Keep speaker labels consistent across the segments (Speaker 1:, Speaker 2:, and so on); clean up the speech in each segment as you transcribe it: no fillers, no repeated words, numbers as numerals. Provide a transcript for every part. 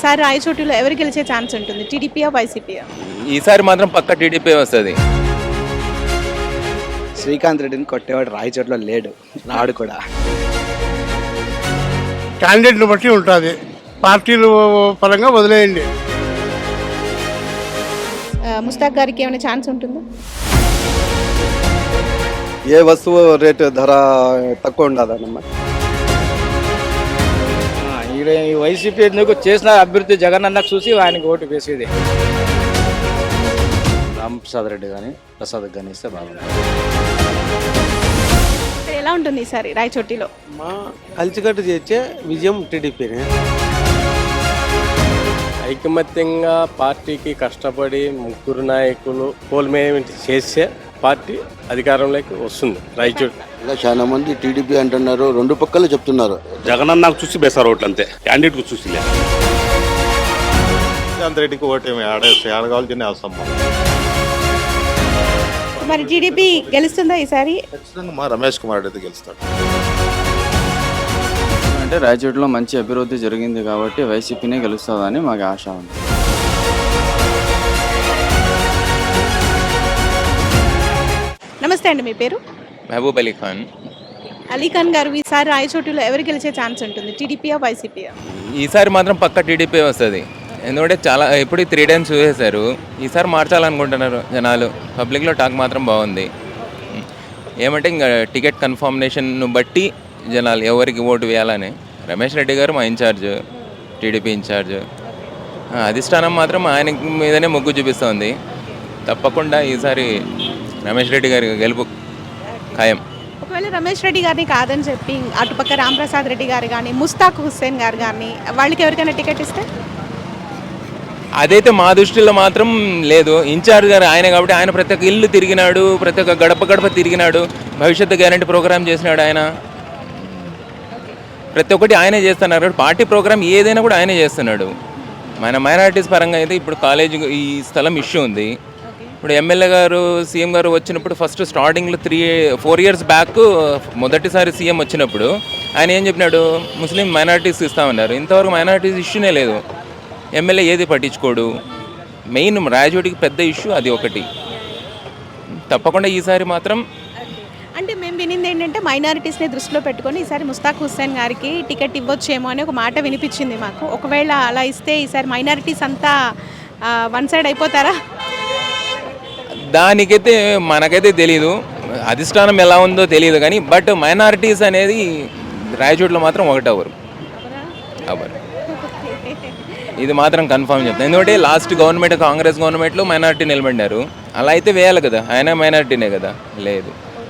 Speaker 1: ఈసారి రాయచోటిలో ఎవరు గెలిచే ఛాన్స్ ఉంటుంది? టీడీపీయా, వైసీపీయా?
Speaker 2: ఈసారి మాత్రం పక్క టీడీపీ వస్తుంది.
Speaker 3: శ్రీకాంత్ రెడ్డిని కొట్టేవాడు రాయచోట్ల లేడు, రాడు కూడా.
Speaker 4: క్యాండిడేట్ని బట్టి ఉంటుంది, పార్టీలు పరంగా వదిలేయండి.
Speaker 1: ముస్తాక్ గారికి ఏమైనా ఛాన్స్ ఉంటుందా?
Speaker 3: ఏ వస్తువు రేటు ధర తక్కువ ఉండదన్నమాట.
Speaker 5: ఈ వైసీపీ ఎందుకు చేసిన అభివృద్ధి జగన్ అన్నకు చూసి ఆయనకు ఓటు వేసేది.
Speaker 6: రామప్రసాద్ రెడ్డి కానీ ప్రసాద్ కానీ ఇస్తే బాగుంటుంది.
Speaker 1: ఎలా ఉంటుంది ఈసారి రాయచోటిలో?
Speaker 7: మా కలిసికట్టు చేసే విజయం టీడీపీనే.
Speaker 8: ఐకమత్యంగా పార్టీకి కష్టపడి ముగ్గురు నాయకులు పోల్మేమెంట్ చేసే పార్టీ అధికారంలోకి వస్తుంది రాయచోటి.
Speaker 9: ఇలా చాలా మంది టీడీపీ అంటున్నారు, రెండు పక్కలు చెప్తున్నారు.
Speaker 6: జగన్ నాకు చూసి బేసారు ఓట్లు అంతే, క్యాండిడేట్ కు చూసి లేదు.
Speaker 4: శ్రీకాంత్ రెడ్డికి ఓటేమి ఆడగాల్సిన అవసరం.
Speaker 1: మరి టీడీపీ గెలుస్తుందా ఈసారి?
Speaker 4: ఖచ్చితంగా మా రమేష్ కుమార్ రెడ్డి గెలుస్తాడు.
Speaker 10: అంటే రాయచోటిలో మంచి అభివృద్ధి జరిగింది కాబట్టి వైసీపీనే గెలుస్తుందని మాకు ఆశ ఉంది.
Speaker 1: నమస్తే అండి, మీ పేరు?
Speaker 2: మహబూబ్ అలీ ఖాన్.
Speaker 1: అలీ ఖాన్ గారు, ఈసారి రాయచోటిలో ఎవరు గెలిచే ఛాన్స్ ఉంటుంది? టీడీపీయా, వైసీపీయా?
Speaker 2: ఈసారి మాత్రం పక్క టీడీపీ వస్తుంది. ఎందుకంటే చాలా ఇప్పుడు 3 టైమ్స్ చూసేశారు. ఈసారి మార్చాలనుకుంటున్నారు జనాలు. పబ్లిక్లో టాక్ మాత్రం బాగుంది. ఏమంటే ఇంకా టికెట్ కన్ఫర్మేషన్ను బట్టి జనాలు ఎవరికి ఓటు వేయాలని. రమేష్ రెడ్డి గారు మా ఇన్ఛార్జ్, టీడీపీ ఇన్ఛార్జ్. అధిష్టానం మాత్రం ఆయన మీదనే మొగ్గు చూపిస్తోంది. తప్పకుండా ఈసారి రమేష్ రెడ్డి గారి గెలుపు ఖాయం.
Speaker 1: ఒకవేళ రమేష్ రెడ్డి గారిని కాదని చెప్పి అటుపక్క రామప్రసాద్ రెడ్డి గారు కానీ, ముస్తాక్ హుస్సేన్ గారు కానీ, వాళ్ళకి ఎవరికైనా టికెట్ ఇస్తే?
Speaker 2: అదైతే మా దృష్టిలో మాత్రం లేదు. ఇన్ఛార్జ్ గారు ఆయన కాబట్టి ఆయన ప్రతి ఒక్క ఇల్లు తిరిగినాడు, ప్రతి ఒక్క గడప గడప తిరిగినాడు, భవిష్యత్తు గ్యారంటీ ప్రోగ్రామ్ చేసినాడు ఆయన. ప్రతి ఒక్కటి ఆయనే చేస్తున్నారు. పార్టీ ప్రోగ్రామ్ ఏదైనా కూడా ఆయనే చేస్తున్నాడు. మన మైనారిటీస్ పరంగా అయితే ఇప్పుడు కాలేజీ ఈ స్థలం ఇష్యూ ఉంది. ఇప్పుడు ఎమ్మెల్యే గారు, సీఎం గారు వచ్చినప్పుడు ఫస్ట్ స్టార్టింగ్లో 4 ఇయర్స్ బ్యాక్ మొదటిసారి సీఎం వచ్చినప్పుడు ఆయన ఏం చెప్పినాడు, ముస్లిం మైనారిటీస్ ఇస్తామన్నారు. ఇంతవరకు మైనారిటీస్ ఇష్యూనే లేదు. ఎమ్మెల్యే ఏది పట్టించుకోడు. మెయిన్ రాయచోటికి పెద్ద ఇష్యూ అది ఒకటి. తప్పకుండా ఈసారి మాత్రం
Speaker 1: అంటే మేము వినింది ఏంటంటే మైనారిటీస్ని దృష్టిలో పెట్టుకొని ఈసారి ముస్తాక్ హుస్సేన్ గారికి టికెట్ ఇవ్వచ్చేమో అని ఒక మాట వినిపించింది మాకు. ఒకవేళ అలా ఇస్తే ఈసారి మైనారిటీస్ అంతా వన్ సైడ్ అయిపోతారా?
Speaker 2: దానికైతే మనకైతే తెలీదు, అధిష్టానం ఎలా ఉందో తెలియదు. కానీ బట్ మైనారిటీస్ అనేది రాయచోటిలో మాత్రం ఒకటి అవ్వరు. ఇది మాత్రం కన్ఫర్మ్ చెప్తాను. ఎందుకంటే లాస్ట్ గవర్నమెంట్, కాంగ్రెస్ గవర్నమెంట్లో మైనారిటీ నిలబడినారు. అలా అయితే వేయాలి కదా, ఆయన మైనారిటీనే కదా. లేదు,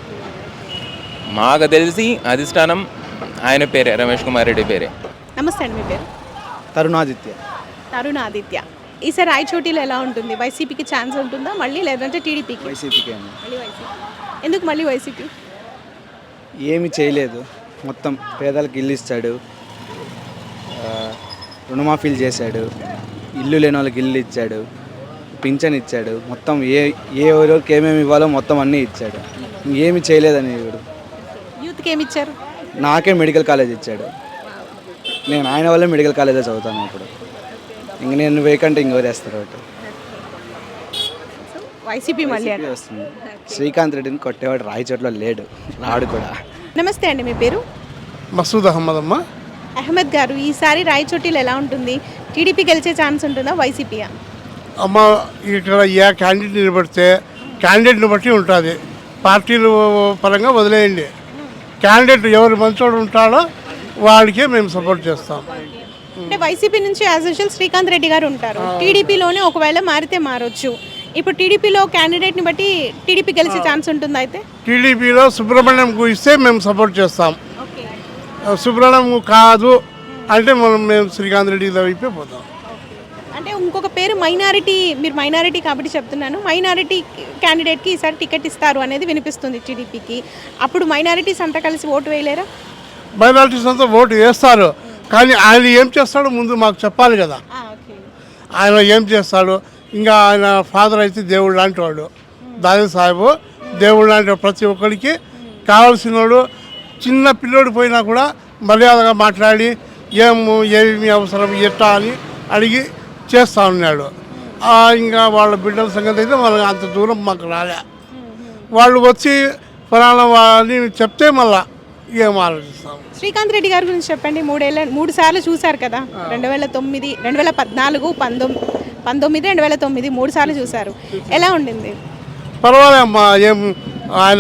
Speaker 2: మాకు తెలిసి అధిష్టానం ఆయన పేరే, రమేష్ కుమార్ రెడ్డి పేరే.
Speaker 1: నమస్తే అండి, మీ పేరు?
Speaker 3: తరుణాదిత్య.
Speaker 1: తరుణాదిత్య. ఈసారి రాయచోటిలో ఎలా ఉంటుంది? వైసీపీకి ఛాన్స్ ఉంటుందా మళ్ళీ, లేదంటే టీడీపీకి?
Speaker 3: వైసీపీకి
Speaker 1: మళ్ళీ వైసీపీ. ఎందుకు మళ్ళీ వైసీపీ?
Speaker 3: ఏమి చేయలేదు, మొత్తం పేదలకు ఇల్లు ఇస్తాడు, రుణమాఫీలు చేశాడు, ఇల్లు లేని వాళ్ళకి ఇల్లు ఇచ్చాడు, పింఛన్ ఇచ్చాడు, మొత్తం ఏ ఎవరికి ఏమేమి ఇవ్వాలో మొత్తం అన్నీ ఇచ్చాడు. ఏమి చేయలేదని ఇప్పుడు
Speaker 1: యూత్కి ఏమి ఇచ్చారు?
Speaker 3: నాకే మెడికల్ కాలేజ్ ఇచ్చాడు. నేను ఆయన వల్లే మెడికల్ కాలేజే చదువుతాను. ఇప్పుడు ఇంక నేను వేకంటే ఇంకెవరు వేస్తారు ఒకటి.
Speaker 1: వైసీపీ మళ్ళీ
Speaker 3: వస్తుంది. శ్రీకాంత్ రెడ్డిని కొట్టేవాడు రాయచోట్ల లేడు, రాడు కూడా.
Speaker 1: నమస్తే అండి, మీ పేరు?
Speaker 4: మసూద్ అహ్మద్. అమ్మ
Speaker 1: అహ్మద్ గారు, ఈసారి రాయచోటిలో ఎలా ఉంటుంది? టీడీపీ గెలిచే ఛాన్స్ ఉంటుందా, వైసీపీయా?
Speaker 4: అమ్మ ఇక్కడ ఏ క్యాండిడేట్ నిలబడితే క్యాండిడేట్ని బట్టి ఉంటుంది, పార్టీలు పరంగా వదిలేయండి. క్యాండిడేట్ ఎవరు మంచోడు ఉంటాడో వాడికే మేము సపోర్ట్ చేస్తాం.
Speaker 1: అంటే వైసీపీ నుంచి యాజ్ యూజువల్ శ్రీకాంత్ రెడ్డి గారు ఉంటారు. టీడీపీలోనే ఒకవేళ మారితే మారొచ్చు. ఇప్పుడు టీడీపీలో క్యాండిడేట్ని బట్టి టీడీపీ గెలిచే ఛాన్స్ ఉంటుందా? అయితే
Speaker 4: టీడీపీలో సుబ్రహ్మణ్యంకు ఇస్తే మేము సపోర్ట్ చేస్తాం. సుబ్రహ్మణ్యం కాదు అంటే మేము శ్రీకాంత్ రెడ్డి వైపే పోతాం.
Speaker 1: అంటే ఇంకొక పేరు మైనారిటీ, మీరు మైనారిటీ కాబట్టి చెప్తున్నాను, మైనారిటీ క్యాండిడేట్కి ఈసారి టికెట్ ఇస్తారు అనేది వినిపిస్తుంది టీడీపీకి. అప్పుడు మైనారిటీస్ అంతా కలిసి ఓటు వేయలేరా?
Speaker 4: మైనారిటీస్ అంతా ఓటు వేస్తారు, కానీ ఆయన ఏం చేస్తాడో ముందు మాకు చెప్పాలి కదా. ఆయన ఏం చేస్తాడు? ఇంకా ఆయన ఫాదర్ అయితే దేవుడు లాంటి వాడు, దాని సాహెబు దేవుడు లాంటి ప్రతి ఒక్కరికి కావాల్సిన వాడు. చిన్న పిల్లోడు పోయినా కూడా మర్యాదగా మాట్లాడి ఏమి అవసరం ఎట్టా అని అడిగి చేస్తూ ఉన్నాడు. ఇంకా వాళ్ళ బిడ్డల సంగతి అయితే మనకు అంత దూరం మాకు రాలే. వాళ్ళు వచ్చి ఫలానా అని చెప్తే మళ్ళా ఏం ఆలోచిస్తాం.
Speaker 1: శ్రీకాంత్ రెడ్డి గారి గురించి చెప్పండి. 3 సార్లు చూశారు కదా, 2009, 2014, 19, 2009 3 సార్లు చూశారు. ఎలా ఉండింది?
Speaker 4: పర్వాలేమ్మా, ఏం ఆయన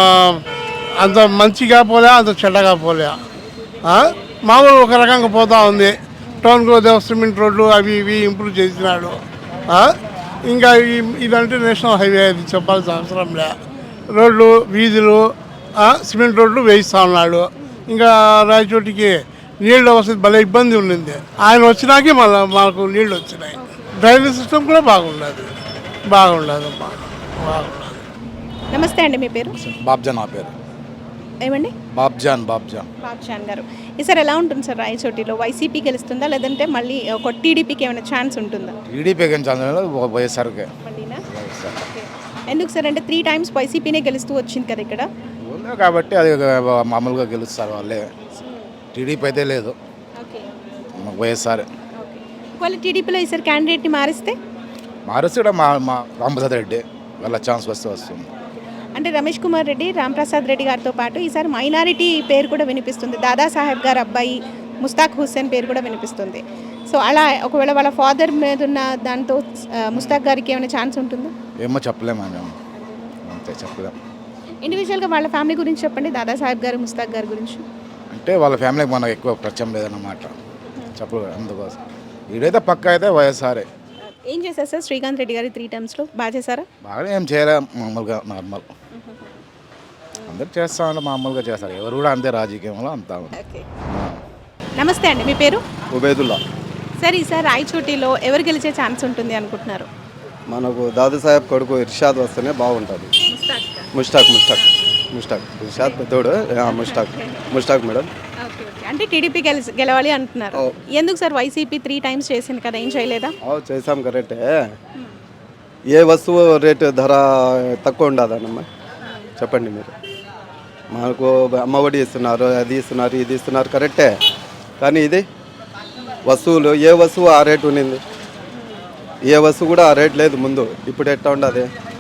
Speaker 4: అంత మంచిగా పోలే, అంత చెడ్డగా పోలే. మామూలు ఒక రకంగా పోతూ ఉంది. టౌన్ గ్రోత్ సిమెంట్ రోడ్లు అవి ఇవి ఇంప్రూవ్ చేసినాడు. ఇంకా ఇదంటే నేషనల్ హైవే, అది చెప్పాల్సిన అవసరం లే. రోడ్లు, వీధులు, సిమెంట్ రోడ్లు వేయిస్తూ ఉన్నాడు. ఇంకా రాయచోటికి నీళ్ళు వస్తుంది, భలే ఇబ్బంది ఉండింది. ఆయన వచ్చినాకే మళ్ళీ మాకు నీళ్ళు వచ్చినాయి. డ్రైనేజ్ సిస్టమ్ కూడా బాగుండదు అమ్మా, బాగుండదు.
Speaker 1: నమస్తే అండి, మీ పేరు?
Speaker 3: బాబ్జాన్ నా పేరు.
Speaker 1: ఏమండి?
Speaker 3: బాబ్జాన్
Speaker 1: గారు. ఈసారి ఎలా ఉంటుంది సార్ రాయచోటిలో? వైసీపీ గెలుస్తుందా, లేదంటే మళ్ళీ ఒక టీడీపీకి ఏమైనా ఛాన్స్ ఉంటుందా?
Speaker 3: టీడీపీ వైఎస్ఆర్కే.
Speaker 1: మళ్ళీనా? ఓకే. ఎందుకు సార్ అంటే 3 times వైసీపీనే గెలుస్తూ వచ్చింది కదా ఇక్కడ.
Speaker 3: కాబట్టి అది మామూలుగా గెలుస్తారు వాళ్ళే. టీడీపీ అయితే లేదు,
Speaker 1: ఓకే,
Speaker 3: వైఎస్ఆర్.
Speaker 1: ఒకవేళ టీడీపీలో ఈసారి క్యాండిడేట్ని మారిస్తే
Speaker 3: కూడా మా రామప్రసాద్ రెడ్డి వాళ్ళ ఛాన్స్ వస్తుంది.
Speaker 1: అంటే రమేష్ కుమార్ రెడ్డి, రాంప్రసాద్ రెడ్డి గారితో పాటు ఈసారి మైనారిటీ పేరు కూడా వినిపిస్తుంది. దాదాసాహెబ్ గారు అబ్బాయి ముస్తాక్ హుస్సేన్ పేరు కూడా వినిపిస్తుంది. సో అలా ఒకవేళ వాళ్ళ ఫాదర్ మీద ఉన్న దాంతో ముస్తాక్ గారికి ఏమైనా ఛాన్స్ ఉంటుందా?
Speaker 3: ఏమో చెప్పలేము అంతే, చెప్పలేము.
Speaker 1: ఇండివిజువల్గా వాళ్ళ ఫ్యామిలీ గురించి చెప్పండి, దాదాసాహెబ్ గారు, ముస్తాక్ గారి గురించి.
Speaker 3: అంటే వాళ్ళ ఫ్యామిలీకి మనకు ఎక్కువ పరిచయం లేదన్నమాట, చెప్పలేదు. అందుకోసం వీడైతే పక్క అయితే వైఎస్ఆర్ఏ.
Speaker 1: ఏం చేశారు సార్ శ్రీకాంత్ రెడ్డి గారి 3 times బాగా చేశారా?
Speaker 3: బాగా ఏం చేయలే, మామూలుగా నార్మల్. అందరు చేస్తామంటే మామూలుగా చేస్తారు, ఎవరు కూడా అంతే, రాజకీయంలో అంతా.
Speaker 1: నమస్తే అండి, మీ పేరు?
Speaker 3: ఉబేదుల్లా.
Speaker 1: సార్ ఈసారి రాయచోటిలో ఎవరు గెలిచే ఛాన్స్ ఉంటుంది అనుకుంటున్నారు?
Speaker 3: మనకు దాదాసాహెబ్ కొడుకు ఇర్షాద్ వస్తేనే బాగుంటుంది. ముష్టాక్ ఇర్షాద్ పెద్దోడు, ముష్టాక్ మేడం.
Speaker 1: అంటే టీడీపీ గెలవాలి అంటున్నారు. ఎందుకు సార్? వైసీపీ 3 times చేసింది కదా, ఏం చేయలేదా?
Speaker 3: చేసాం కరెక్టే. ఏ వస్తువు రేటు ధర తక్కువ ఉండదన్నమ్మా, చెప్పండి మీరు. మనకు అమ్మఒడి ఇస్తున్నారు, అది ఇస్తున్నారు, ఇది ఇస్తున్నారు, కరెక్టే. కానీ ఇది వస్తువులు, ఏ వస్తువు ఆ రేటు ఉన్నింది, ఏ వస్తువు కూడా ఆ రేట్ లేదు ముందు. ఇప్పుడు ఎట్లా ఉండదు,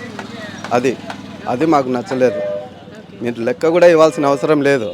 Speaker 3: అది మాకు నచ్చలేదు. మీరు లెక్క కూడా ఇవ్వాల్సిన అవసరం లేదు.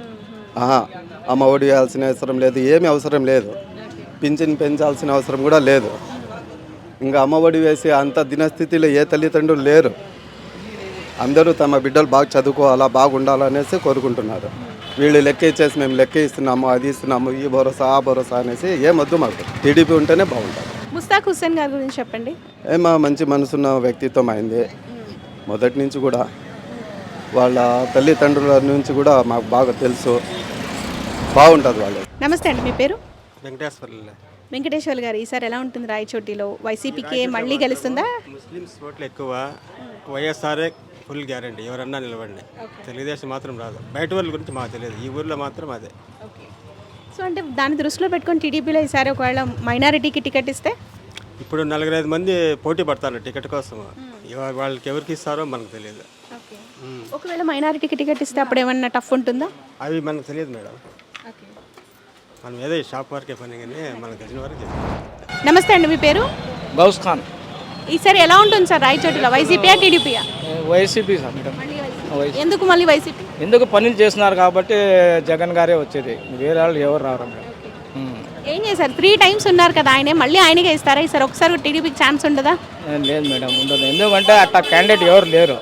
Speaker 3: అమ్మ ఒడి ఇవ్వాల్సిన అవసరం లేదు, ఏమీ అవసరం లేదు. పింఛన్ పెంచాల్సిన అవసరం కూడా లేదు. ఇంకా అమ్మ ఒడి వేసి అంత దినస్థితిలో ఏ తల్లిదండ్రులు లేరు. అందరూ తమ బిడ్డలు బాగా చదువుకోవాలా, బాగుండాలనేసి కోరుకుంటున్నారు. వీళ్ళు లెక్క ఇచ్చేసి మేము లెక్క ఇస్తున్నాము, అది ఇస్తున్నాము, ఈ భరోసా ఆ భరోసా అనేసి ఏమొద్దు మాకు. టీడీపీ ఉంటేనే బాగుంటుంది.
Speaker 1: ముస్తాక్ హుస్సేన్ గారి గురించి చెప్పండి.
Speaker 3: మంచి మనసున్న వ్యక్తిత్వం అయింది. మొదటి నుంచి కూడా వాళ్ళ తల్లిదండ్రుల నుంచి కూడా మాకు బాగా తెలుసు, బాగుంటుంది వాళ్ళు.
Speaker 1: నమస్తే అండి, మీ పేరు?
Speaker 7: వెంకటేశ్వర్లు
Speaker 1: గారు. ఈసారి ఎలా ఉంటుంది రాయచోటిలో? వైసీపీకి మళ్ళీ గెలుస్తుందా?
Speaker 7: ముస్లిమ్స్ ఓట్లు ఎక్కువ, వైఎస్ఆర్ఏ ఫుల్ గ్యారంటీ. ఎవరన్నా నిలబడి, తెలుగుదేశం మాత్రం రాదు. బయట వాళ్ళ గురించి మాకు తెలియదు, ఈ ఊర్లో మాత్రం అదే.
Speaker 1: సో అంటే దాన్ని దృష్టిలో పెట్టుకొని టీడీపీలో ఈసారి ఒకవేళ మైనారిటీకి టికెట్ ఇస్తే?
Speaker 7: ఇప్పుడు 4-5 మంది పోటీ పడతారు టికెట్ కోసం. వాళ్ళకి ఎవరికి ఇస్తారో మనకు తెలియదు.
Speaker 1: ఒకవేళ మైనారిటీకి టికెట్ ఇస్తే అప్పుడు ఏమన్నా టఫ్ ఉంటుందా?
Speaker 7: అవి మనకు తెలియదు మేడం. మనం ఏదో షాప్ వరకే పని, కానీ మనకు తెలిసిన వరకు.
Speaker 1: నమస్తే అండి, మీ పేరు?
Speaker 5: గౌస్ ఖాన్.
Speaker 1: ఈసారి ఎలా ఉంటుంది సార్ రాయచోటిలో? వైసీపీయా టీడీపీయా?
Speaker 5: YCP sir madam.
Speaker 1: ఎందుకు మళ్ళీ వైసీపీ?
Speaker 5: ఎందుకు పనులు చేస్తున్నారు కాబట్టి జగన్ గారే వచ్చేది, వేరే వాళ్ళు ఎవరు రారు మేడం.
Speaker 1: ఏం చేశారు? 3 times ఉన్నారు కదా ఆయనే, మళ్ళీ ఆయనకే ఇస్తారా ఈసారి? ఒకసారి టీడీపీకి ఛాన్స్ ఉండదా?
Speaker 5: లేదు మేడం, ఉండదు. ఎందుకంటే అట్లా క్యాండిడేట్ ఎవరు లేరు.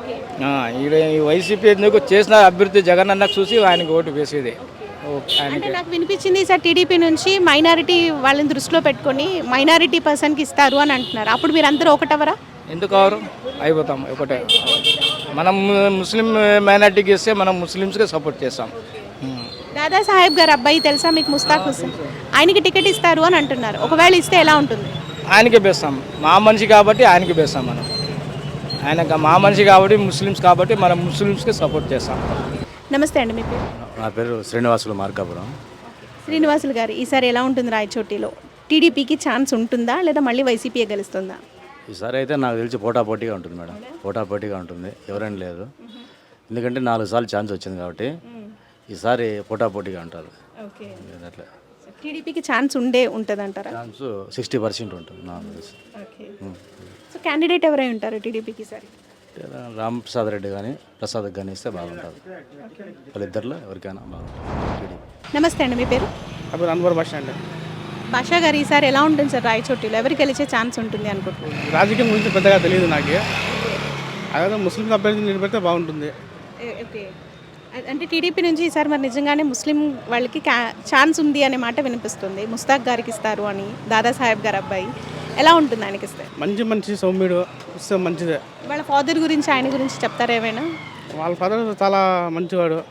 Speaker 5: ఈ వైసీపీ ఎందుకు చేసిన అభివృద్ధి జగన్ అన్నకు చూసి ఆయనకి ఓటు వేసేది.
Speaker 1: అంటే నాకు వినిపించింది సార్ టీడీపీ నుంచి మైనారిటీ వాళ్ళని దృష్టిలో పెట్టుకొని మైనారిటీ పర్సన్కి ఇస్తారు అని అంటున్నారు. అప్పుడు మీరు అందరూ ఒకటవరా?
Speaker 5: ఎందుకు అవరు? అయిపోతాం ఒకటే. మనం ముస్లిం మైనారిటీకి ఇస్తే మనం ముస్లిమ్స్కి సపోర్ట్ చేస్తాం.
Speaker 1: దాదాసాహెబ్ గారు అబ్బాయి తెలుసా మీకు? ముస్తాక్ హుస్సేన్, ఆయనకి టికెట్ ఇస్తారు అని అంటున్నారు. ఒకవేళ ఇస్తే ఎలా ఉంటుంది?
Speaker 5: ఆయనకి వేస్తాం. మా మనిషి కాబట్టి ఆయనకి వేస్తాం. మనం ఆయన మా మనిషి కాబట్టి, ముస్లిమ్స్ కాబట్టి మనం ముస్లిమ్స్కి సపోర్ట్ చేస్తాం.
Speaker 1: నమస్తే అండి, మీ పేరు?
Speaker 6: నా పేరు శ్రీనివాసులు మార్కాపురం.
Speaker 1: శ్రీనివాసులు గారు, ఈసారి ఎలా ఉంటుంది రాయచోటిలో? టీడీపీకి ఛాన్స్ ఉంటుందా, లేదా మళ్ళీ వైసీపీ గెలుస్తుందా?
Speaker 6: ఈసారి అయితే నాకు తెలిసి పోటాపోటీగా ఉంటుంది మేడం, పోటాపోటీగా ఉంటుంది, ఎవరైనా లేదు. ఎందుకంటే 4 సార్లు ఛాన్స్ వచ్చింది కాబట్టి ఈసారి పోటాపోటీగా ఉంటారు.
Speaker 1: ఓకే,
Speaker 6: అట్లా
Speaker 1: టీడీపీకి ఛాన్స్ ఉంటుంది అంటారా?
Speaker 6: ఛాన్స్ 60% ఉంటుంది నాకు తెలిసి.
Speaker 1: ఓకే. సో క్యాండిడేట్ ఎవరై ఉంటారు టీడీపీకి ఈసారి?
Speaker 6: రామ్ ప్రసాద్ రెడ్డి కానీ ప్రసాద్కి కానీ ఇస్తే బాగుంటుంది. వాళ్ళిద్దరిలో ఎవరికైనా బాగుంటుంది.
Speaker 1: నమస్తే అండి, మీ పేరు?
Speaker 5: అప్పుడు అన్వర్ భాష అండి.
Speaker 1: భాషా గారు ఈసారి ఎలా ఉంటుంది సార్ రాయచోటిలో? ఎవరికి గెలిచే ఛాన్స్ ఉంటుంది అనుకుంటున్నారు?
Speaker 5: రాజకీయం గురించి పెద్దగా తెలియదు నాకు. అదే ముస్లిం అభ్యర్థిని నిలబెడితే బాగుంటుంది.
Speaker 1: ఓకే. అంటే టీడీపీ నుంచి ఈసారి మరి నిజంగానే ముస్లిం వాళ్ళకి ఛాన్స్ ఉంది అనే మాట వినిపిస్తుంది. ముస్తాక్ గారికి ఇస్తారు అని, దాదాసాహెబ్ గారు అబ్బాయి. ఎలా ఉంటుంది ఆయనకి ఇస్తే?
Speaker 5: మంచి సౌమ్యుడు ఇస్తే మంచిదే.
Speaker 1: వాళ్ళ ఫాదర్ గురించి, ఆయన గురించి చెప్తారా ఏమైనా?
Speaker 5: వాళ్ళ ఫాదర్ చాలా మంచివాడు.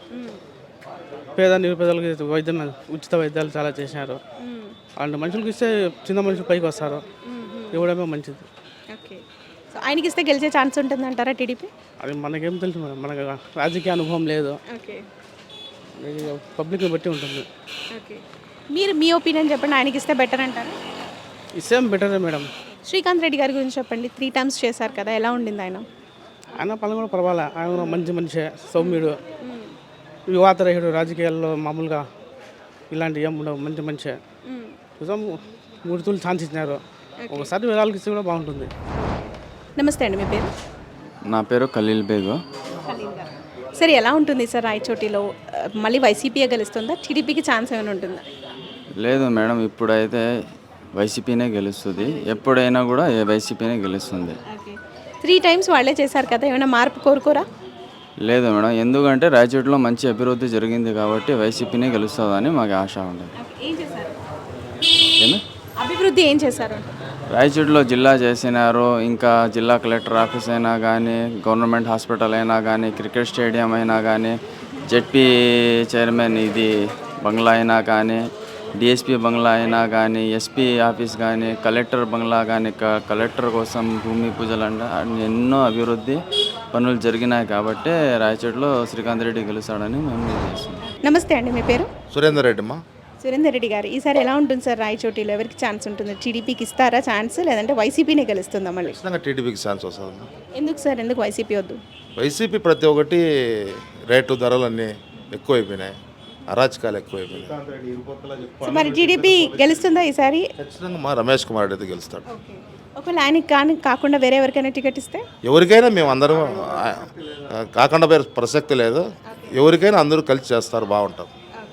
Speaker 5: పేద నిరుపేదలకు వైద్యం, ఉచిత వైద్యాలు చాలా చేశారు. అలాంటి మనుషులకు ఇస్తే చిన్న మనుషులు పైకి వస్తారు. ఇవ్వడమే మంచిది.
Speaker 1: ఓకే. సో ఆయనకి ఇస్తే గెలిచే ఛాన్స్ ఉంటుంది అంటారా టీడీపీ?
Speaker 5: అది మనకేం తెలుసు మేడం, మనకు రాజకీయ అనుభవం లేదు.
Speaker 1: ఓకే.
Speaker 5: పబ్లిక్ని బట్టి ఉంటుంది.
Speaker 1: ఓకే. మీరు మీ ఒపీనియన్ చెప్పండి, ఆయనకి ఇస్తే బెటర్ అంటారా?
Speaker 5: ఇసేం బెటరే మేడం.
Speaker 1: శ్రీకాంత్ రెడ్డి గారి గురించి చెప్పండి. 3 times చేశారు కదా, ఎలా ఉండింది ఆయన?
Speaker 5: ఆయన పనులు కూడా పర్వాలే. ఆయన కూడా మంచి మనిషి, సౌమ్యుడు, యువాతరహిడు, రాజకీయాల్లో మామూలుగా ఇలాంటి ఏం ఉండవు. మంచి మనిషి. చూసాం 3 తూర్లు ఛాన్స్ ఇచ్చినారు. ఒకసారి విరాళకి ఇస్తే కూడా బాగుంటుంది.
Speaker 1: నమస్తే అండి, మీ పేరు?
Speaker 10: నా పేరు ఖలీల్ బేగు.
Speaker 1: సరే, ఎలా ఉంటుంది సార్ రాయచోటిలో? మళ్ళీ వైసీపీ గెలుస్తుందా? టీడీపీకి ఛాన్స్ ఏమైనా ఉంటుందా?
Speaker 10: లేదు మేడం, ఇప్పుడైతే వైసీపీనే గెలుస్తుంది. ఎప్పుడైనా కూడా వైసీపీనే గెలుస్తుంది.
Speaker 1: 3 times వాళ్ళే చేశారు కదా, ఏమైనా మార్పు కోరుకోరా?
Speaker 10: లేదు మేడం, ఎందుకంటే రాయచోటిలో మంచి అభివృద్ధి జరిగింది కాబట్టి వైసీపీనే గెలుస్తుందని మాకు ఆశ ఉంది.
Speaker 1: ఏం చేశారు?
Speaker 10: ఏమి
Speaker 1: అభివృద్ధి ఏం చేశారు?
Speaker 10: రాయచోటిలో జిల్లా చేసినారు. ఇంకా జిల్లా కలెక్టర్ ఆఫీస్ అయినా కానీ, గవర్నమెంట్ హాస్పిటల్ అయినా కానీ, క్రికెట్ స్టేడియం అయినా కానీ, జెడ్పీ చైర్మన్ ఇది బంగ్లా అయినా కానీ, డిఎస్పీ బంగ్లా అయినా కానీ, ఎస్పీ ఆఫీస్ కానీ, కలెక్టర్ బంగ్లా కానీ, కలెక్టర్ కోసం భూమి పూజలు అంటే ఎన్నో అభివృద్ధి పనులు జరిగినాయి కాబట్టి రాయచోటిలో శ్రీకాంత్ రెడ్డి గెలుస్తాడని మేము చేస్తున్నాం.
Speaker 1: నమస్తే అండి, మీ పేరు?
Speaker 11: సురేందర్ రెడ్డి అమ్మా.
Speaker 1: సురేందర్ రెడ్డి గారు, ఈసారి ఎలా ఉంటుంది సార్ రాయచోటిలో? ఎవరికి ఛాన్స్ ఉంటుంది? టీడీపీకి ఇస్తారా ఛాన్స్, లేదంటే వైసీపీనే గెలుస్తుందా మళ్ళీ?
Speaker 11: ఖచ్చితంగా టీడీపీకి ఛాన్స్ వస్తుంది.
Speaker 1: ఎందుకు సార్, ఎందుకు వైసీపీ వద్దు?
Speaker 11: వైసీపీ ప్రతి ఒక్కటి రేటు ధరలన్నీ ఎక్కువైపోయినాయి, అరాచకాలు ఎక్కువైపోయినాయి.
Speaker 1: సో మరి టీడీపీ గెలుస్తుందా ఈసారి?
Speaker 11: ఖచ్చితంగా మా రమేష్ కుమార్ రెడ్డి గెలుస్తాడు.
Speaker 1: ఒకవేళ ఆయనకి కానీ కాకుండా వేరే ఎవరికైనా టికెట్ ఇస్తే?
Speaker 11: ఎవరికైనా మేము అందరం కాకుండా పేరు ప్రసక్తి లేదు. ఎవరికైనా అందరూ కలిసి చేస్తారు, బాగుంటారు.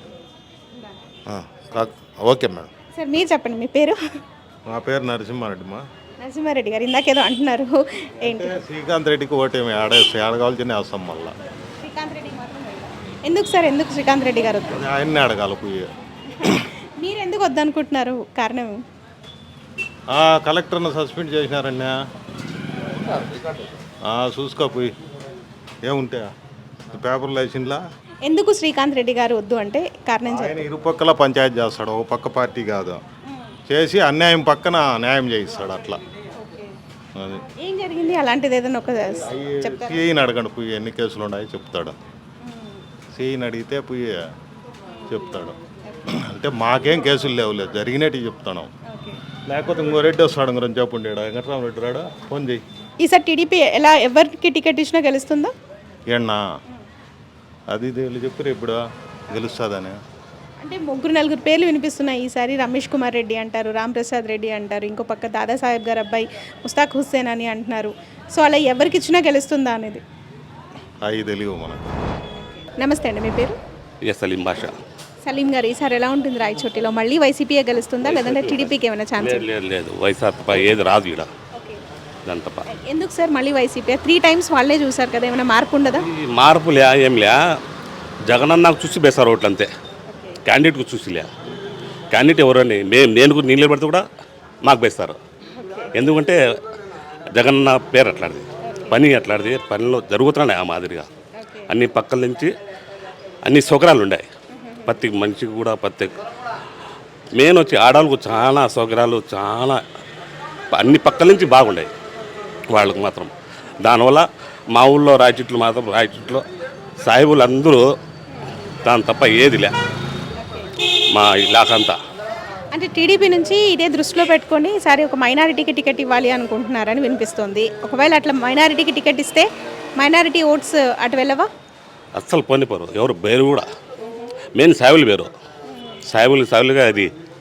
Speaker 11: Okay madam.
Speaker 1: సార్ మీరు చెప్పండి, మీ పేరు?
Speaker 12: నా పేరు నరసింహారెడ్డి మా.
Speaker 1: నరసింహారెడ్డి గారు, ఇందాకేదో అంటున్నారు, ఏంటి?
Speaker 12: శ్రీకాంత్ రెడ్డికి ఓటేమి ఆడగాల్సిన అవసరం మళ్ళా.
Speaker 1: శ్రీకాంత్ రెడ్డి ఎందుకు సార్, ఎందుకు శ్రీకాంత్ రెడ్డి గారు వద్దు?
Speaker 12: ఆయన్ని అడగాలి పోయి.
Speaker 1: మీరు ఎందుకు వద్దనుకుంటున్నారు? కారణం?
Speaker 12: కలెక్టర్ను సస్పెండ్ చేసినారన్నా, చూసుకోపోయి ఏముంటే పేపర్లు వేసిండ్లా.
Speaker 1: ఎందుకు శ్రీకాంత్ రెడ్డి గారు వద్దు అంటే కారణం
Speaker 12: ఆయన ఇరుపక్కల పంచాయతీ చేస్తాడు, ఒక పక్క పార్టీ కాదు. చేసి అన్యాయం పక్కన న్యాయం చేయిస్తాడు. అట్లా అది
Speaker 1: ఏం జరిగింది అలాంటిది ఏదైనా ఒక చెప్తారా?
Speaker 12: సిఐని అడగండి, పోయి ఎన్ని కేసులు ఉన్నాయి చెప్తాడు. సిఐని అడిగితే పోయి చెప్తాడు. అంటే మాకేం కేసులు లేవులేదు, జరిగినట్టు చెప్తాను. లేకపోతే ఇంకో రెడ్డి వస్తాడు, ఇంకో రెండు చెప్పండి. వెంకటరామరెడ్డి రాడా, ఫోన్ చేయి.
Speaker 1: ఈసారి టీడీపీ ఎలా ఎవరికి టికెట్ ఇచ్చినా గెలుస్తుందా?
Speaker 12: ఏన్నా అది వీళ్ళు చెప్పారు ఇప్పుడు గెలుస్తుందని.
Speaker 1: అంటే 3-4 పేర్లు వినిపిస్తున్నాయి ఈసారి. రమేష్ కుమార్ రెడ్డి అంటారు, రామ్ ప్రసాద్ రెడ్డి అంటారు, ఇంకో పక్క దాదాసాహెబ్ గారు అబ్బాయి ముస్తాక్ హుస్సేన్ అని అంటున్నారు. సో అలా ఎవరికి ఇచ్చినా గెలుస్తుందా అనేది
Speaker 12: అవి తెలియవు మనకు.
Speaker 1: నమస్తే అండి, మీ పేరు?
Speaker 13: సలీం భాష.
Speaker 1: సలీం గారు, ఈసారి ఎలా ఉంటుంది రాయచోటిలో? మళ్ళీ వైసీపీ గెలుస్తుందా, లేదంటే టీడీపీకి ఏమైనా ఛాన్స్?
Speaker 13: లేదు వైఎస్ఆర్ తప్ప ఏది రాదు ఇక్కడ.
Speaker 1: ఎందుకు సార్ మళ్ళీ వైసీపీ? 3 times వాళ్ళే చూసారు కదా, ఏమైనా మార్పు ఉండదా?
Speaker 13: మార్పులే ఏంలే, జగనన్నకు చూసి బేసారు ఓట్లు అంతే. క్యాండిడేట్కు చూసిలే. క్యాండిడేట్ ఎవరని నేను నిలబడితే కూడా మాకు బేస్తారు. ఎందుకంటే జగనన్న పేరు అట్లాంటిది, పని అట్లాంటిది, పనిలో జరుగుతున్నాయి ఆ మాదిరిగా. అన్ని పక్కల నుంచి అన్ని సౌకర్యాలు ఉన్నాయి ప్రతి మనిషికి కూడా. ప్రతి మెయిన్ వచ్చి ఆడవాళ్ళకు చాలా సౌకర్యాలు, చాలా అన్ని పక్కల నుంచి బాగున్నాయి వాళ్ళకు మాత్రం. దానివల్ల మా ఊళ్ళో రాయచోట్లో సాహిబులు అందరూ దాని తప్ప ఏదిలే మా ఇలాకంతా.
Speaker 1: అంటే టీడీపీ నుంచి ఇదే దృష్టిలో పెట్టుకొని ఈసారి ఒక మైనారిటీకి టికెట్ ఇవ్వాలి అనుకుంటున్నారని వినిపిస్తుంది. ఒకవేళ అట్లా మైనారిటీకి టికెట్ ఇస్తే మైనారిటీ ఓట్స్ అటు వెళ్ళవా?
Speaker 13: అస్సలు పోనిపోరు ఎవరు, పేరు కూడా మెయిన్ సాయిబులు పేరు. సాయిబులుగా అది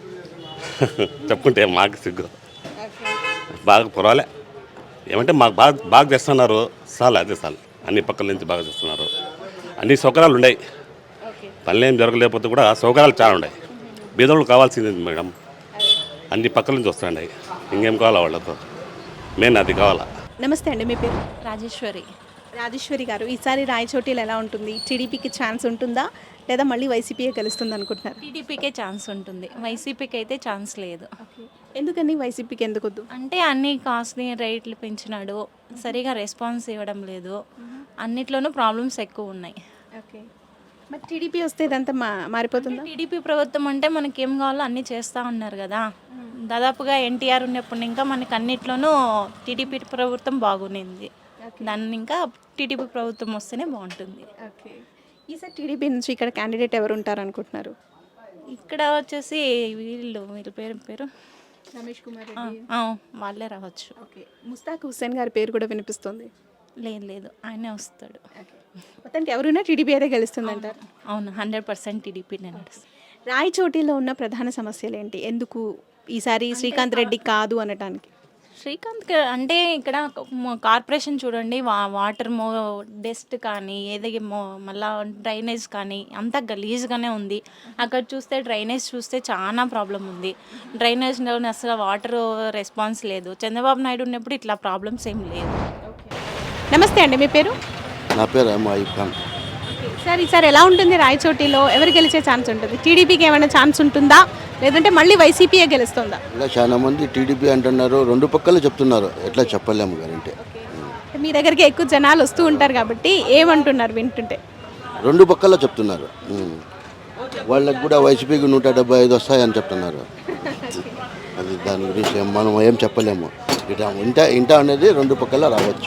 Speaker 13: చెప్పుకుంటే మాకు సిగ్గు బాగా పర్వాలే ఏమంటే మాకు బాగా చేస్తున్నారు చాలు, అదే చాలు. అన్ని పక్కల నుంచి బాగా చేస్తున్నారు. అన్ని సౌకర్యాలు ఉన్నాయి, పనులు ఏం జరగలేకపోతే కూడా సౌకర్యాలు చాలా ఉన్నాయి. బీదోళ్ళు కావాల్సింది మేడం, అన్ని పక్కల నుంచి వస్తున్నాయి. ఇంకేం కావాలా వాళ్ళతో, మెయిన్ అది కావాలా.
Speaker 1: నమస్తే అండి, మీ పేరు?
Speaker 14: రాజేశ్వరి.
Speaker 1: రాజేశ్వరి గారు, ఈసారి రాయచోటిలో ఎలా ఉంటుంది? టీడీపీకి ఛాన్స్ ఉంటుందా లేదా మళ్ళీ వైసీపీయే గెలుస్తుంది అనుకుంటున్నారు?
Speaker 14: టీడీపీకే ఛాన్స్ ఉంటుంది, వైసీపీకి అయితే ఛాన్స్ లేదు.
Speaker 1: ఎందుకని వైసీపీకి ఎందుకు వద్దు?
Speaker 14: అంటే అన్ని కాస్ట్ని రేట్లు పెంచినాడు, సరిగా రెస్పాన్స్ ఇవ్వడం లేదు, అన్నిట్లోనూ ప్రాబ్లమ్స్ ఎక్కువ ఉన్నాయి.
Speaker 1: ఓకే, మరి టీడీపీ వస్తే ఇదంతా మారిపోతుందా?
Speaker 14: టీడీపీ ప్రభుత్వం అంటే మనకి ఏం కావాలో అన్నీ చేస్తూ ఉన్నారు కదా. దాదాపుగా ఎన్టీఆర్ ఉన్నప్పుడు ఇంకా మనకి అన్నిట్లోనూ టీడీపీ ప్రభుత్వం బాగుంది. దాన్ని ఇంకా టీడీపీ ప్రభుత్వం వస్తేనే బాగుంటుంది.
Speaker 1: ఓకే, ఈసారి టీడీపీ నుంచి ఇక్కడ క్యాండిడేట్ ఎవరు ఉంటారు అనుకుంటున్నారు?
Speaker 14: ఇక్కడ వచ్చేసి వీళ్ళ పేరు
Speaker 1: రమేష్ కుమార్
Speaker 14: వాళ్ళే రావచ్చు.
Speaker 1: ఓకే, ముస్తాక్ హుస్సేన్ గారి పేరు కూడా వినిపిస్తుంది.
Speaker 14: లేదు ఆయనే వస్తాడు.
Speaker 1: మొత్తానికి ఎవరున్నా టీడీపీ అయితే గెలుస్తుందంటారు?
Speaker 14: అవును, 100% టీడీపీనే నడుస్తుంది.
Speaker 1: రాయచోటిలో ఉన్న ప్రధాన సమస్యలు ఏంటి? ఎందుకు ఈసారి శ్రీకాంత్ రెడ్డి కాదు అనటానికి?
Speaker 14: శ్రీకాంత్ అంటే ఇక్కడ కార్పొరేషన్ చూడండి, వాటర్ డస్ట్ కానీ మళ్ళా డ్రైనేజ్ కానీ అంతా గలీజ్గానే ఉంది. అక్కడ చూస్తే డ్రైనేజ్ చూస్తే చాలా ప్రాబ్లం ఉంది. డ్రైనేజ్లో అసలు వాటర్ రెస్పాన్స్ లేదు. చంద్రబాబు నాయుడు ఉన్నప్పుడు ఇట్లా ప్రాబ్లమ్స్ ఏం లేదు.
Speaker 1: నమస్తే అండి, మీ పేరు?
Speaker 9: నా పేరు అయ్యూబ్ ఖాన్.
Speaker 1: సార్, ఈసారి ఎలా ఉంటుంది రాయచోటిలో? ఎవరు గెలిచే ఛాన్స్ ఉంటుంది? టీడీపీకి ఏమైనా ఛాన్స్ ఉంటుందా లేదంటే మళ్ళీ వైసీపీయే గెలుస్తుందా?
Speaker 9: ఇలా చాలా మంది టీడీపీ అంటున్నారు, రెండు పక్కల చెప్తున్నారు, ఎట్లా చెప్పలేము గారంటే.
Speaker 1: మీ దగ్గరికి ఎక్కువ జనాలు వస్తూ ఉంటారు కాబట్టి ఏమంటున్నారు వింటుంటే?
Speaker 9: రెండు పక్కల చెప్తున్నారు. వాళ్ళకి కూడా వైసీపీకి 175 వస్తాయని చెప్తున్నారు. అది దాని గురించి మనం ఏం చెప్పలేము. ఇంట అనేది రెండు పక్కల రావచ్చు.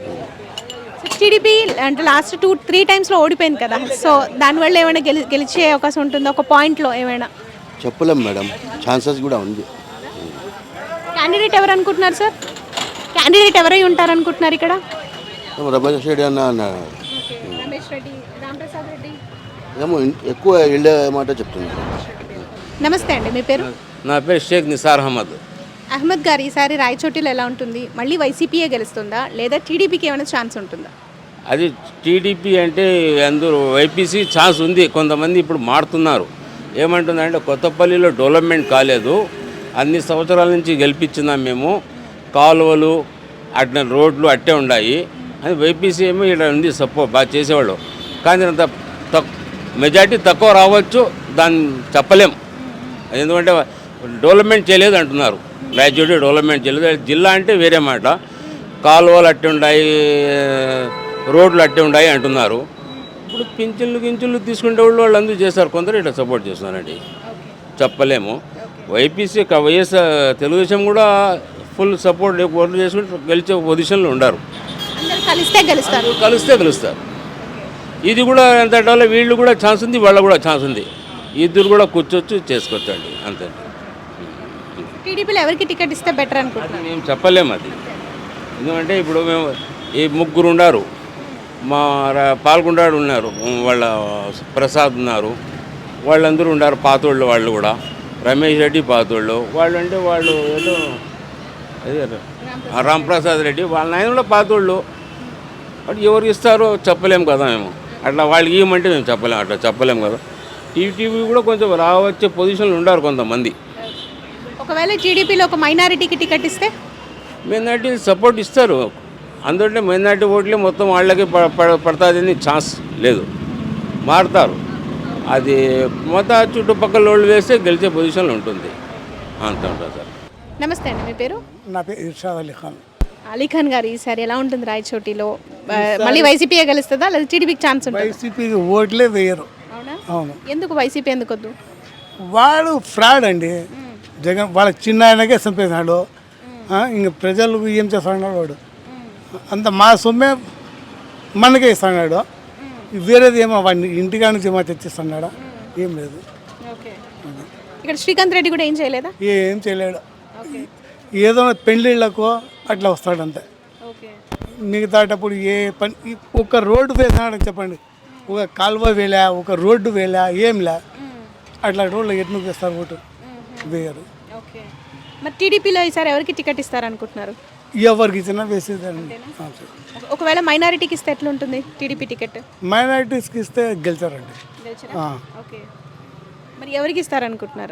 Speaker 1: టీడీపీ అంటే లాస్ట్ 2-3 టైమ్స్లో ఓడిపోయింది కదా, సో దానివల్ల ఏమైనా గెలిచే అవకాశం ఉంటుందా? ఒక పాయింట్లో ఏమైనా
Speaker 9: చెప్పలేము మేడం, ఛాన్సెస్ కూడా ఉంది.
Speaker 1: క్యాండిడేట్ ఎవరు అనుకుంటున్నారు సార్? క్యాండిడేట్ ఎవరై ఉంటారు అనుకుంటున్నారు ఇక్కడ?
Speaker 9: రమేష్ రెడ్డి అన్నారు.
Speaker 1: రమేష్ రెడ్డి, రాంప్రసాద్ రెడ్డి
Speaker 9: ఏమో ఎక్కువ వెళ్ళే మాట చెప్తున్నారు.
Speaker 1: నమస్తే అండి, మీ పేరు?
Speaker 15: నా పేరు షేక్ నిసార్ అహ్మద్.
Speaker 1: అహ్మద్ గారు, ఈసారి రాయచోటిలో ఎలా ఉంటుంది? మళ్ళీ వైసీపీయే గెలుస్తుందా లేదా టీడీపీకి ఏమైనా ఛాన్స్ ఉంటుందా?
Speaker 15: అది టీడీపీ అంటే అందరూ వైపీసీ ఛాన్స్ ఉంది. కొంతమంది ఇప్పుడు మారుతున్నారు. ఏమంటుందంటే కొత్తపల్లిలో డెవలప్మెంట్ కాలేదు, అన్ని సంవత్సరాల నుంచి గెలిపించున్నాం మేము, కాలువలు అట్లా రోడ్లు అట్టే ఉన్నాయి అని. వైపీసీ ఏమో ఇక్కడ ఉంది సపోర్ట్ బాగా చేసేవాళ్ళు, కానీ అంత మెజార్టీ తక్కువ రావచ్చు, దాన్ని చెప్పలేం. ఎందుకంటే డెవలప్మెంట్ చేయలేదు అంటున్నారు. రాయచోటి డెవలప్మెంట్ చేయలేదు. జిల్లా అంటే వేరే మాట, కాలువలు అట్టే ఉన్నాయి, రోడ్లు అట్టే ఉన్నాయి అంటున్నారు. ఇప్పుడు పింఛన్లు తీసుకునే వాళ్ళు అందరూ చేస్తారు, కొందరు ఇట్లా సపోర్ట్ చేస్తున్నారండి. చెప్పలేము. వైపీసీ వైఎస్ఆర్ తెలుగుదేశం కూడా ఫుల్ సపోర్ట్ ఓట్లు చేసుకుంటే గెలిచే పొజిషన్లో ఉండారు.
Speaker 1: కలిస్తే
Speaker 15: గెలుస్తారు. ఇది కూడా ఎంత అంటే వీళ్ళు కూడా ఛాన్స్ ఉంది, వాళ్ళ కూడా ఛాన్స్ ఉంది. ఇద్దరు కూడా కూర్చోవచ్చు, చేసుకోవచ్చండి, అంతే.
Speaker 1: టీడీపీలో ఎవరికి టికెట్ ఇస్తే బెటర్ అనుకుంటున్నాను?
Speaker 15: మేము చెప్పలేము అది. ఎందుకంటే ఇప్పుడు మేము ఈ ముగ్గురు ఉన్నారు, మా పాల్గొండాడు ఉన్నారు, వాళ్ళ ప్రసాద్ ఉన్నారు, వాళ్ళందరూ ఉన్నారు పాతోళ్ళు. వాళ్ళు కూడా రమేష్ రెడ్డి పాతోళ్ళు, వాళ్ళు అంటే వాళ్ళు ఏదో రాంప్రసాద్ రెడ్డి వాళ్ళ ఆయన కూడా పాతోళ్ళు. అటు ఎవరికి ఇస్తారో చెప్పలేము కదా మేము. అట్లా వాళ్ళకి ఇవ్వమంటే మేము చెప్పలేము, అట్లా చెప్పలేము కదా. టీవీ కూడా కొంచెం రావచ్చే పొజిషన్లు ఉన్నారు కొంతమంది.
Speaker 1: ఒకవేళ టీడీపీలో ఒక మైనారిటీకి టికెట్ ఇస్తే?
Speaker 15: మైనారిటీ సపోర్ట్ ఇస్తారు, అందుకంటే మైనారిటీ ఓట్లే మొత్తం వాళ్ళకి పడుతుందని ఛాన్స్ లేదు, మారుతారు. అది మొత్తం చుట్టుపక్కల వాళ్ళు వేస్తే గెలిచే పొజిషన్లో ఉంటుంది, అంత ఉంటుంది సార్.
Speaker 1: నమస్తే అండి, మీ పేరు?
Speaker 4: నా పేరు ఇర్షాద్ అలీ ఖాన్.
Speaker 1: అలీఖాన్ గారు, ఈసారి ఎలా ఉంటుంది రాయచోటిలో? మళ్ళీ వైసీపీయే గెలుస్తుందా లేదా టీడీపీకి ఛాన్స్ ఉంటుంది?
Speaker 4: వైసీపీకి ఓట్లే వేయరు. అవును.
Speaker 1: ఎందుకు వైసీపీ ఎందుకు వద్దు?
Speaker 4: వాడు ఫ్రాడ్ అండి. జగన్ వాళ్ళ చిన్న ఆయనకే చంపేసినాడు. ఇంక ప్రజలకు ఏం చేస్తున్నాడు వాడు? అంత మా సొమ్మే మనకే ఇస్తున్నాడు, వేరేది ఏమో వాడిని ఇంటికా నుంచి ఏమో తెచ్చిస్తున్నాడా? ఏం లేదు.
Speaker 1: ఇక్కడ శ్రీకాంత్ రెడ్డి కూడా ఏం చేయలేదా?
Speaker 4: ఏం చేయలేడు. ఏదో పెళ్ళిళ్ళకు అట్లా వస్తాడు అంతే. మిగతాటప్పుడు ఏ పని ఒక రోడ్డు వేసినాడని చెప్పండి, ఒక కాలువ వేలా, ఒక రోడ్డు వేలా, ఏం లే. అట్లా రోడ్లు ఎట్లా వేస్తారు ఓటు? వేయరు.
Speaker 1: మరి టీడీపీలో ఈసారి ఎవరికి టికెట్ ఇస్తారనుకుంటున్నారు?
Speaker 4: ఎవరికి ఇచ్చినా వేసేదండి.
Speaker 1: ఒకవేళ మైనారిటీకి ఇస్తే ఎట్లుంటుంది టీడీపీ టికెట్?
Speaker 4: మైనారిటీస్కి ఇస్తే గెలిచారండి.
Speaker 1: ఓకే, మరి ఎవరికి ఇస్తారనుకుంటున్నారు?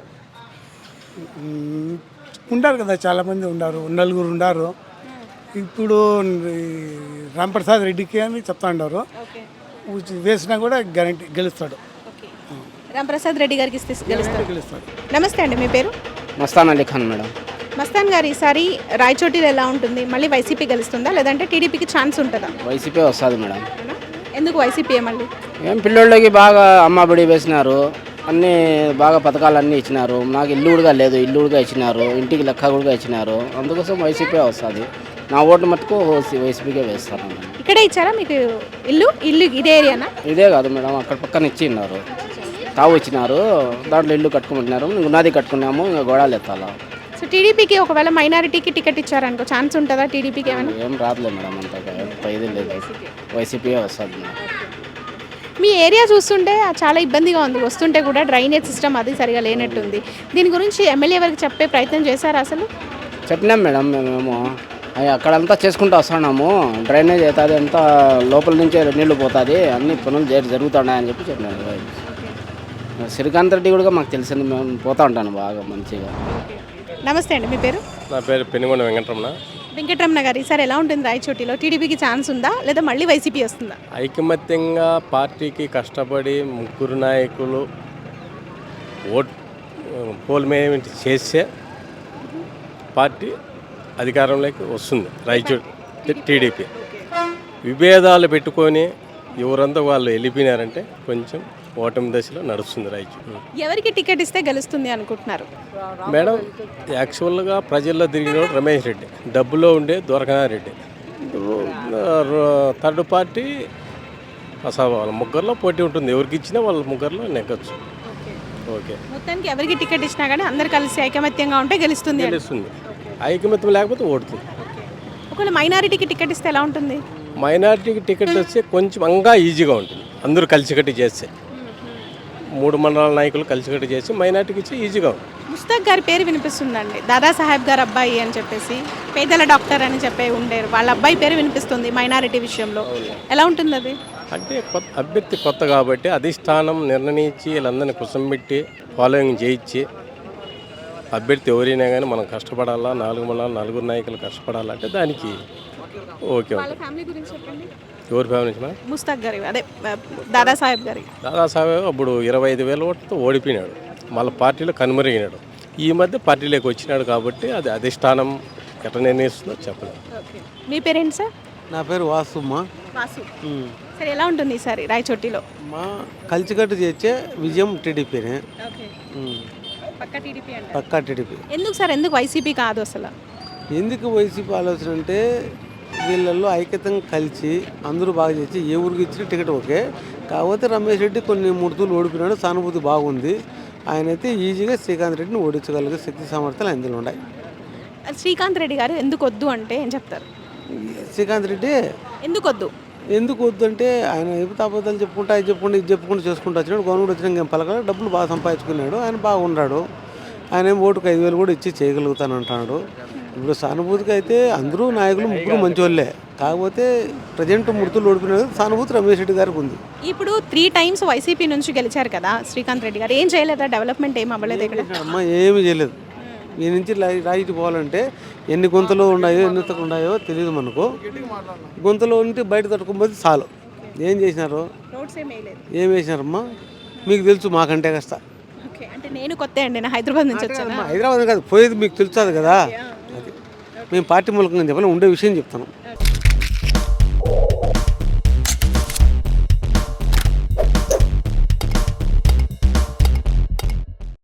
Speaker 4: ఉండారు కదా, చాలామంది ఉన్నారు, 4 ఉన్నారు. ఇప్పుడు రాంప్రసాద్ రెడ్డికి అని చెప్తా ఉన్నారు, వేసినా కూడా గ్యారంటీ గెలుస్తాడు.
Speaker 1: రాంప్రసాద్ రెడ్డి గారికి ఇస్తే గెలుస్తాడు. నమస్తే అండి, మీ పేరు?
Speaker 5: మస్తాన్ అలీ ఖాన్ మేడం.
Speaker 1: మస్తాన్ గారు, ఈసారి రాయచోటిలో ఎలా ఉంటుంది? మళ్ళీ వైసీపీ గెలుస్తుందా లేదంటే టీడీపీకి ఛాన్స్ ఉంటుందా?
Speaker 5: వైసీపీ వస్తుంది మేడం.
Speaker 1: ఎందుకు వైసీపీ? మళ్ళీ
Speaker 5: ఏం పిల్లోళ్ళకి బాగా అమ్మబడి వేసినారు, అన్నీ బాగా పథకాలు అన్నీ ఇచ్చినారు. నాకు ఇల్లు కూడా లేదు, ఇల్లు కూడా ఇచ్చినారు, ఇంటికి లెక్క కూడా ఇచ్చినారు. అందుకోసం వైసీపీ వస్తుంది. నా ఓటు మటుకు వైసీపీకే వేస్తాను.
Speaker 1: ఇక్కడే ఇచ్చారా మీకు ఇల్లు? ఇదే ఏరియానా?
Speaker 5: ఇదే కాదు మేడం, అక్కడ పక్కన ఇచ్చిన్నారు, తావు ఇచ్చినారు, దాంట్లో ఇల్లు కట్టుకుంటున్నారు. ఉన్నది కట్టుకున్నాము, ఇంకా గోడాలు ఎత్తాలా.
Speaker 1: సో టీడీపీకి ఒకవేళ మైనారిటీకి టికెట్ ఇచ్చారనుకో ఛాన్స్ ఉంటుందా టీడీపీకి? ఏమైనా
Speaker 5: ఏం రాదులే మేడం, అంతగా ఇది లేదు, వైసీపీ వస్తుంది.
Speaker 1: మీ ఏరియా చూస్తుంటే చాలా ఇబ్బందిగా ఉంది, వస్తుంటే కూడా డ్రైనేజ్ సిస్టమ్ అది సరిగా లేనట్టుంది. దీని గురించి ఎమ్మెల్యే వరకు చెప్పే ప్రయత్నం చేశారా అసలు?
Speaker 5: చెప్పినాం మేడం, మేము అక్కడంతా చేసుకుంటూ వస్తున్నాము. డ్రైనేజ్ అవుతుంది, అంతా లోపల నుంచే నీళ్లు పోతుంది, అన్ని పనులు జరుగుతున్నాయని చెప్పి చెప్పినాను. శ్రీకాంత్ రెడ్డి కూడా మాకు తెలిసింది, మేము పోతూ ఉంటాను బాగా మంచిగా.
Speaker 1: నమస్తే అండి, మీ పేరు?
Speaker 8: నా పేరు పెనుగొండ వెంకటరమణ.
Speaker 1: వెంకటరమణ గారు, ఈసారి ఎలా ఉంటుంది రాయచోటిలో? టీడీపీకి ఛాన్స్ ఉందా లేదా మళ్ళీ వైసీపీ వస్తుందా?
Speaker 8: ఐకమత్యంగా పార్టీకి కష్టపడి 3 నాయకులు పోల్మేమెంట్ చేస్తే పార్టీ అధికారంలోకి వస్తుంది రాయచోటి టీడీపీ. విభేదాలు పెట్టుకొని ఎవరంతా వాళ్ళు వెళ్ళిపోయినారంటే కొంచెం ఓటమి దశలో నడుస్తుంది రాయచోటి.
Speaker 1: ఎవరికి టికెట్ ఇస్తే గెలుస్తుంది అనుకుంటున్నారు
Speaker 8: మేడం? యాక్చువల్గా ప్రజల్లో తిరిగినోడు రమేష్ రెడ్డి, డబ్బులో ఉండే దొరకనారెడ్డి. థర్డ్ పార్టీ అసలు వాళ్ళ ముగ్గురులో పోటీ ఉంటుంది, ఎవరికి ఇచ్చినా వాళ్ళ ముగ్గురులో నెగ్గచ్చు. ఓకే,
Speaker 1: మొత్తానికి ఎవరికి టికెట్ ఇచ్చినా కానీ అందరు కలిసి ఐకమత్యంగా ఉంటే గెలుస్తుంది.
Speaker 8: ఐకమత్యం లేకపోతే ఓడుతుంది.
Speaker 1: ఒకవేళ మైనారిటీకి టికెట్ ఇస్తే ఎలా ఉంటుంది?
Speaker 8: మైనారిటీకి టికెట్ వస్తే కొంచెం అంగా ఈజీగా ఉంటుంది, అందరూ కలిసికట్టి చేస్తే. 3 మండలాల నాయకులు కలిసికట్టి చేసి మైనారిటీకి ఇచ్చి ఈజీగా ఉంటుంది.
Speaker 1: ముస్తాక్ గారి పేరు వినిపిస్తుందండి, దాదాసాహెబ్ గారు అబ్బాయి అని చెప్పేసి, పేదల డాక్టర్ అని చెప్పి ఉండేరు, వాళ్ళ అబ్బాయి పేరు వినిపిస్తుంది మైనారిటీ విషయంలో. ఎలా ఉంటుంది అది?
Speaker 8: అంటే అభ్యర్థి కొత్త కాబట్టి అధిష్టానం నిర్ణయించి వీళ్ళందరినీ కుసంబెట్టి ఫాలోయింగ్ చేయించి, అభ్యర్థి ఎవరైనా కానీ మనం కష్టపడాలా, 4 మండలాలు 4 నాయకులు కష్టపడాలంటే దానికి ఓకే. ఎవరి ఫ్యామిలీ నుంచి?
Speaker 1: ముస్తాక్ గారి, అదే దాదాసాహెబ్ గారి.
Speaker 8: దాదాసాహెబ్ అప్పుడు 25,000 ఓట్లతో ఓడిపోయినాడు, మళ్ళీ పార్టీలో కనుమరిగినాడు. ఈ మధ్య పార్టీలోకి వచ్చినాడు కాబట్టి అది అధిష్టానం ఎట్లా నిర్ణయిస్తుందో చెప్పలేదు.
Speaker 1: మీ పేరేంటి సార్?
Speaker 16: నా పేరు వాసుమ్మ.
Speaker 1: వాసు. సరే, ఎలా ఉంటుంది ఈసారి రాయచోటిలో?
Speaker 16: మా కలిసికట్టు చేసే విజయం టీడీపీనే. పక్కా టీడీపీ.
Speaker 1: ఎందుకు సార్, ఎందుకు వైసీపీ కాదు అసలు?
Speaker 16: ఎందుకు వైసీపీ ఆలోచన అంటే వీళ్ళల్లో ఐక్యతంగా కలిసి అందరూ బాగా చేసి ఏ ఊరికి ఇచ్చిన టికెట్ ఓకే. కాకపోతే రమేష్ రెడ్డి కొన్ని 3 తూర్లు ఓడిపోయినాడు, సానుభూతి బాగుంది. ఆయన అయితే ఈజీగా శ్రీకాంత్ రెడ్డిని ఓడించగలిగే శక్తి సామర్థ్యాలు అందులో ఉన్నాయి.
Speaker 1: శ్రీకాంత్ రెడ్డి గారు ఎందుకు వద్దు అంటే ఏం చెప్తారు?
Speaker 16: శ్రీకాంత్ రెడ్డి ఎందుకు వద్దు అంటే ఆయన అబద్ధాలు చెప్పుకుంటా, ఇది చెప్పుకుంటూ చేసుకుంటూ వచ్చినాడు. గవర్నమెంట్ వచ్చినాక ఏం పలకాలి, డబ్బులు బాగా సంపాదించుకున్నాడు, ఆయన బాగున్నాడు. ఆయన ఏం ఓటుకు 5,000 కూడా ఇచ్చి చేయగలుగుతాను అంటున్నాడు. ఇప్పుడు సానుభూతికి అయితే అందరూ నాయకులు 3 మంచి వాళ్ళే, కాకపోతే ప్రజెంట్ 3 తూర్లు ఓడిపోయినారు. సానుభూతి రమేష్ రెడ్డి గారికి ఉంది.
Speaker 1: ఇప్పుడు 3 times వైసీపీ నుంచి గెలిచారు కదా శ్రీకాంత్ రెడ్డి గారు, ఏం చేయలేదా? డెవలప్మెంట్ ఏం అవ్వలేదు ఇక్కడ?
Speaker 16: అమ్మ ఏమీ చేయలేదు. ఈ నుంచి రాయికి పోవాలంటే ఎన్ని గుంతలు ఉన్నాయో ఎన్ని ఉన్నాయో తెలియదు మనకు. గుంతలో ఉంటే బయట తట్టుకోకపోతే చాలు. ఏం చేసినారు? ఏం వేసినారమ్మా మీకు తెలుసు, మాకంటే కష్ట.
Speaker 1: అంటే నేను కొత్త అండి, నా హైదరాబాద్ నుంచి వచ్చాను.
Speaker 16: హైదరాబాద్ కాదు పోయేది, మీకు తెలుస్తుంది కదా. అది మేము పార్టీ మూలకంగా చెప్పాలి, ఉండే విషయం చెప్తాను.